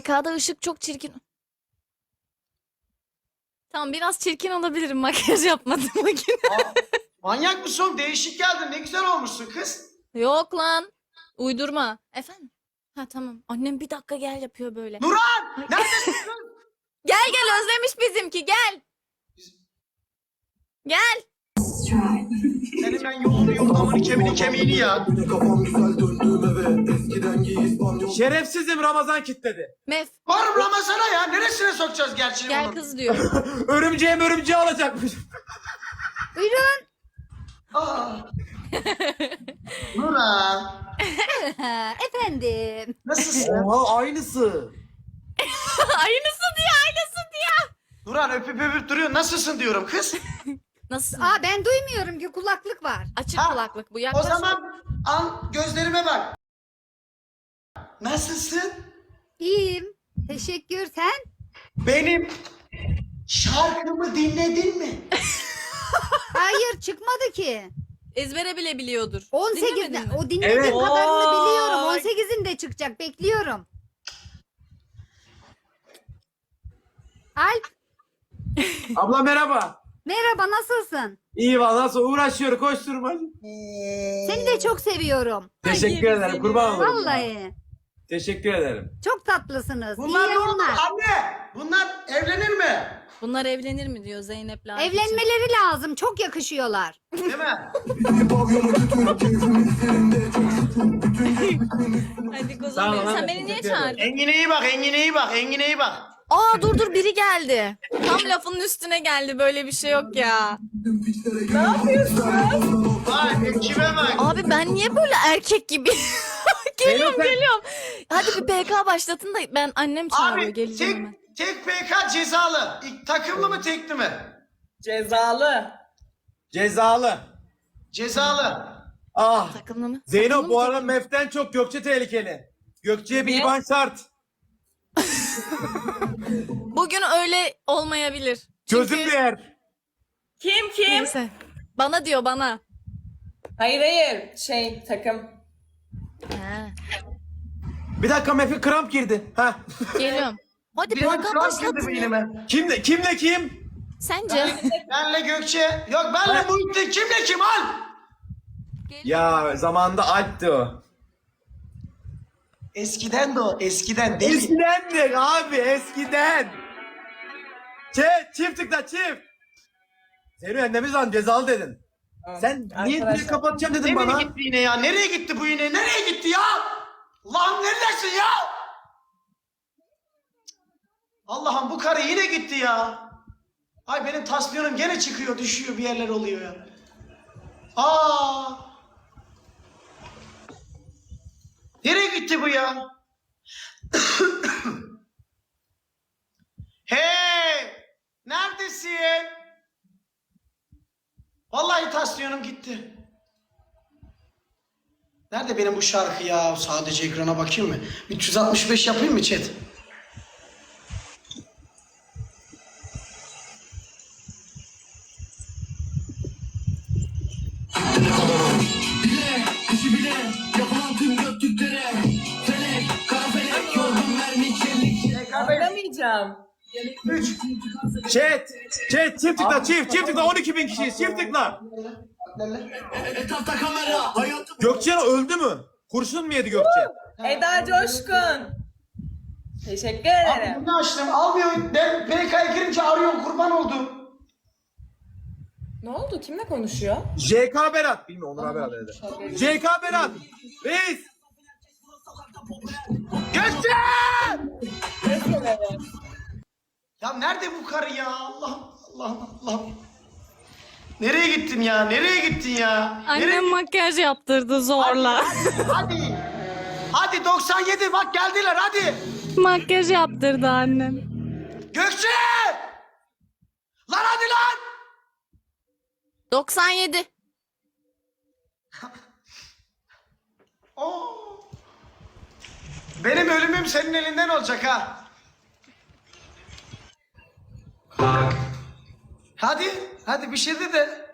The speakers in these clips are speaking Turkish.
PK'da ışık çok çirkin. Tamam biraz çirkin olabilirim makyaj yapmadım bugün. Manyak mısın oğlum? Değişik geldin. Ne güzel olmuşsun kız. Yok lan. Uydurma. Efendim? Ha tamam. Annem bir dakika gel yapıyor böyle. Nurhan! Neredesin kız? Gel gel özlemiş bizimki gel. Gel. Senin ben yolunu yordamını kemiğini ya. Şerefsizim Ramazan kitledi. Mef Varım Ramazan'a ya. Neresine sokacağız gerçeği gel bunun? kız diyor. Örümceği alacakmış. Buyurun. Aa. Nurhan. Efendim. Nasılsın? Oha aynısı. Aynısı diyor aynısı diyor. Nurhan öpüp duruyor. Nasılsın diyorum kız. Nasıl? Aa ben duymuyorum ki kulaklık var. Açık Ha, kulaklık bu O yaklaş. zaman al gözlerime bak. Nasılsın? İyiyim. Teşekkür. Sen? Benim şarkımı dinledin mi? Hayır çıkmadı ki. Ezbere bile biliyordur. 18'de. Dinlemedin mi? O dinlediğim Evet. kadarını biliyorum. Oy. 18'inde çıkacak. Bekliyorum. Alp. Abla merhaba. Merhaba nasılsın? İyi valla nasıl uğraşıyor koşturma. Seni de çok seviyorum. Teşekkür Ay, ederim seni. kurban olurum. Vallahi. Teşekkür ederim. Çok tatlısınız. Bunlar İyi ne oldu yayınlar. anne? Bunlar evlenir mi? Bunlar evlenir mi diyor Zeynep'le Akif için. Evlenmeleri lazım. Çok yakışıyorlar. Değil mi? Hadi kuzum Tamam, benim. Sen hadi, beni niye teşekkür ederim. çağırdın? Engin'e iyi bak, Engin'e iyi bak, Engin'e iyi bak. Aa dur biri geldi. Tam lafının üstüne geldi. Böyle bir şey yok ya. Vay ekibe bak. Abi ben niye böyle erkek gibi? Geliyorum Zeynep, geliyorum. Hadi bir PK başlatın da ben annem çağırıyor Abi geleceğim hemen. tek PK cezalı. Takımlı mı tekli mi? Cezalı. Cezalı. Cezalı. Ah. Takımlı mı? Zeyno Takımlı bu mı, arada takımlı mı? Mef'ten çok Gökçe tehlikeli. Gökçe'ye bir Niye? IBAN şart. Bugün öyle olmayabilir. Gözüm Çünkü... değer. Kim? Neyse. Bana diyor bana. Hayır takım. Ha, Bir dakika Mef'e kramp girdi. Ha. geliyorum. Hadi Benim PK kral girdi başlatın ya. beynime. Kimle kim? Sence? Benle Gökçe. Yok benle Muhittin. Kimle kim al? Ya zamanında Alp'ti o. Eskiden de o. Eskiden deli. Eskidendi abi eskiden. Çift tıkla çift. Zeyno annemiz lan cezalı dedin. Sen niye Arkadaşlar. direkt kapatacağım dedin Nereye bana? gitti yine ya? Nereye gitti bu yine? Nereye gitti ya? Allah'ım neredesin ya? Allah'ım bu karı yine gitti ya. Ay benim tansiyonum gene çıkıyor, düşüyor, bir yerler oluyor ya. Aa! Nereye gitti bu ya? Hey! Neredesin? Vallahi tansiyonum gitti. Nerede benim bu şarkı ya? Sadece ekrana bakayım mı? 365 yapayım mı chat? Anlamayacağım. 3. Chat çift tıkla çift tıkla 12.000 kişiyiz çift tıkla. Gökçe öldü mü? Kurşun mu yedi Gökçe? Eda Coşkun. Teşekkür Abi ederim. bunu açtım. Almıyor. Ben PK'ya girince arıyorum. Kurban oldum. Ne oldu? Kimle konuşuyor? JK Berat. Bilmiyorum Onur Berat dedi. JK Berat. Reis. Gökçe! Ya nerede bu karı ya? Allah'ım, Allah'ım, Allah'ım. Nereye gittin ya? Nereye gittin ya? Nereye... Annem makyaj yaptırdı zorla. Hadi. Hadi 97 bak geldiler hadi. Makyaj yaptırdı annem. Gökçe! Lan hadi lan! 97. Oo. Benim ölümüm senin elinden olacak ha. Hadi, hadi bir şey de.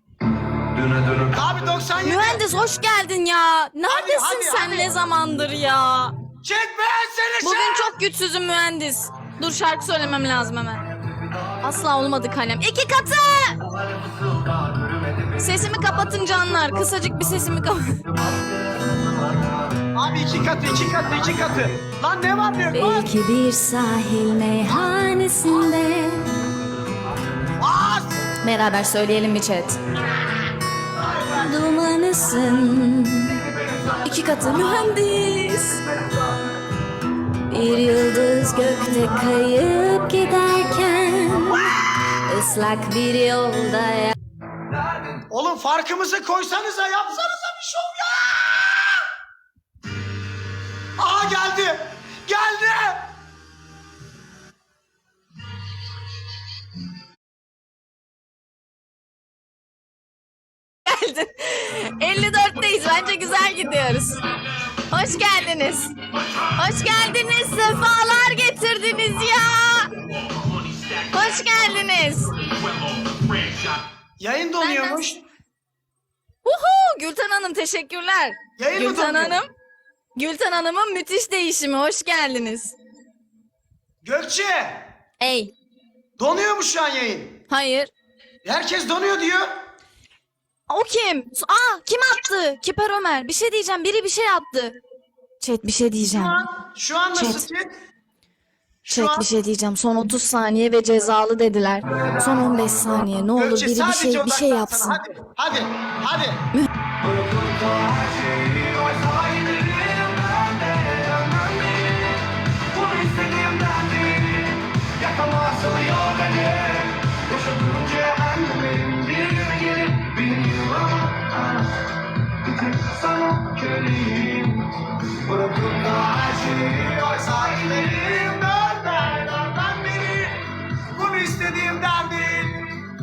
Abi 97. Mühendis hoş geldin ya. Neredesin hadi, sen hadi. ne zamandır ya? Chat ben Neşe! Bugün çok güçsüzüm mühendis. Dur şarkı söylemem lazım hemen. Asla olmadı kalem. 2 katı! Sesimi kapatın canlar. Kısacık bir sesimi kapatın. Abi 2 katı, 2 katı, 2 katı. Lan ne var ne yok? Lan! Belki bir sahil meyhanesinde. Bas! Beraber söyleyelim mi chat? Dumanısın. 2 katı mühendis. Bir yıldız gökte kayıp giderken ıslak bir yolda Oğlum farkımızı koysanıza, yapsanıza bir şov ya! Aha geldi! Geldi! geldin. 54'teyiz. Bence güzel gidiyoruz. Hoş geldiniz. Hoş geldiniz. Sefalar getirdiniz ya. Hoş geldiniz. Yayın donuyormuş. Uhu, Gülten Hanım teşekkürler. Yayın mı Gülten donuyor? Hanım. Gülten Hanım'ın müthiş değişimi. Hoş geldiniz. Gökçe! Ey. Donuyor mu şu an yayın? Hayır. Herkes donuyor diyor. O kim? Aa, kim attı? Kiper Ömer. Bir şey diyeceğim. Biri bir şey attı. Chat bir şey diyeceğim. Şu an nasıl Chat. ki? Şu Chat an bir şey diyeceğim. Son 30 saniye ve cezalı dediler. Son 15 saniye. Ne olur Gökçe biri sadece bir şey odaklansana. yapsın. Hadi, hadi, hadi. Bunu istediğimden değil.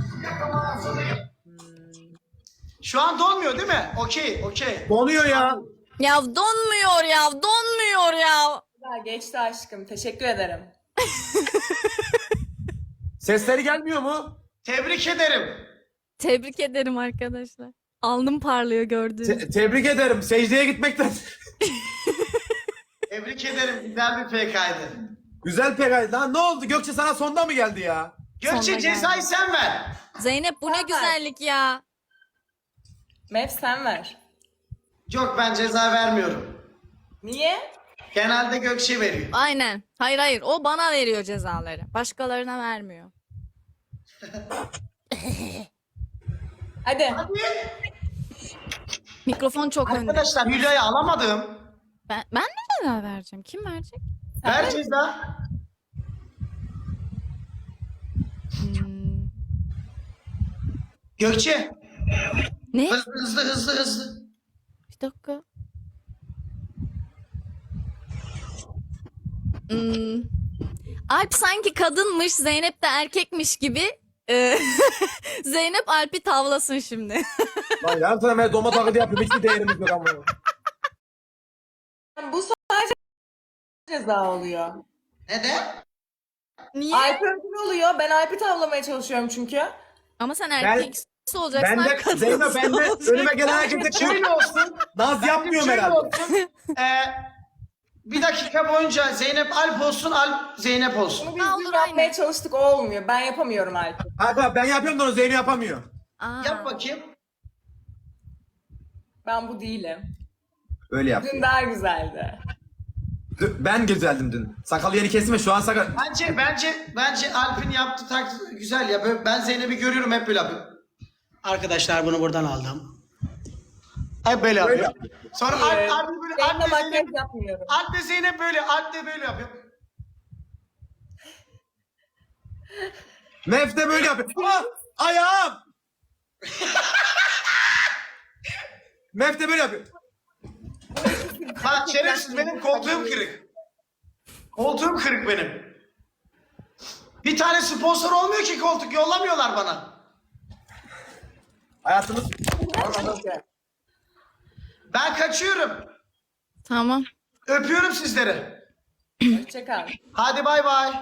Şu an donmuyor değil mi? Okey, okey. Donuyor ya. Ya donmuyor ya. Donmuyor ya. Güzel geçti aşkım. Teşekkür ederim. Sesleri gelmiyor mu? Tebrik ederim. Tebrik ederim arkadaşlar. Alnım parlıyor gördüğünüz. Tebrik ederim. Secdeye gitmekten. Tebrik ederim. Güzel bir PK'ydı. Güzel pekay. Lan ne oldu? Gökçe sana sonda mı geldi ya? Gökçe Sonuna cezayı sen ver. Zeynep bu ne güzellik ya. Mev sen ver. Yok ben ceza vermiyorum. Niye? Genelde Gökçe veriyor. Aynen. Hayır hayır. O bana veriyor cezaları. Başkalarına vermiyor. Hadi. Mikrofon çok önde. Arkadaşlar Hülya'yı alamadım. Ben mi ceza vereceğim? Kim verecek? Ver ceza. Hmm. Gökçe. Ne? Hızlı. Bir dakika. Hmm. Alp sanki kadınmış, Zeynep de erkekmiş gibi. Zeynep Alp'i tavlasın şimdi. Lan yarın sana ben doma taklidi yapıyorum. Hiçbir değerimiz yok ama. Bu sadece ceza oluyor. Neden? Niye? Alp ödül oluyor. Ben Alp'i tavlamaya çalışıyorum çünkü. Ama sen erkeksi olacaksın. Ben de Alp kadınsı Zeynep ben de olacaksın. önüme gelen herkese Şöyle olsun. naz yapmıyorum Şöyle herhalde. olsun. Bir dakika boyunca Zeynep Alp olsun, Alp Zeynep olsun. Bunu biz Ha, dün olur, yapmaya aynen. çalıştık. O olmuyor. Ben yapamıyorum Alp'i. Kanka ben yapıyorum da onu Zeynep yapamıyor. Aa. Yap bakayım. Ben bu değilim. Öyle yap. Dün daha güzeldi. Ben güzeldim dün. Sakalı yeri kesme şu an sakal. Bence Alp'in yaptığı taklit güzel ya. Ben Zeynep'i görüyorum hep böyle yapıyor. Arkadaşlar bunu buradan aldım. Hep böyle yapıyor. Sonra Evet. Alp böyle Seninle Alp de makyaj Zeynep, yapmıyorum. Alp de Zeynep böyle, Alp de böyle yapıyor. Mef de böyle yapıyor. Aa, ayağım. Mef de böyle yapıyor. Ha şerefsiz benim koltuğum kırık. Koltuğum kırık benim. Bir tane sponsor olmuyor ki koltuk yollamıyorlar bana. Hayatımız... Ben kaçıyorum. Tamam. Öpüyorum sizleri. Hoşçakal. Hadi bay bay.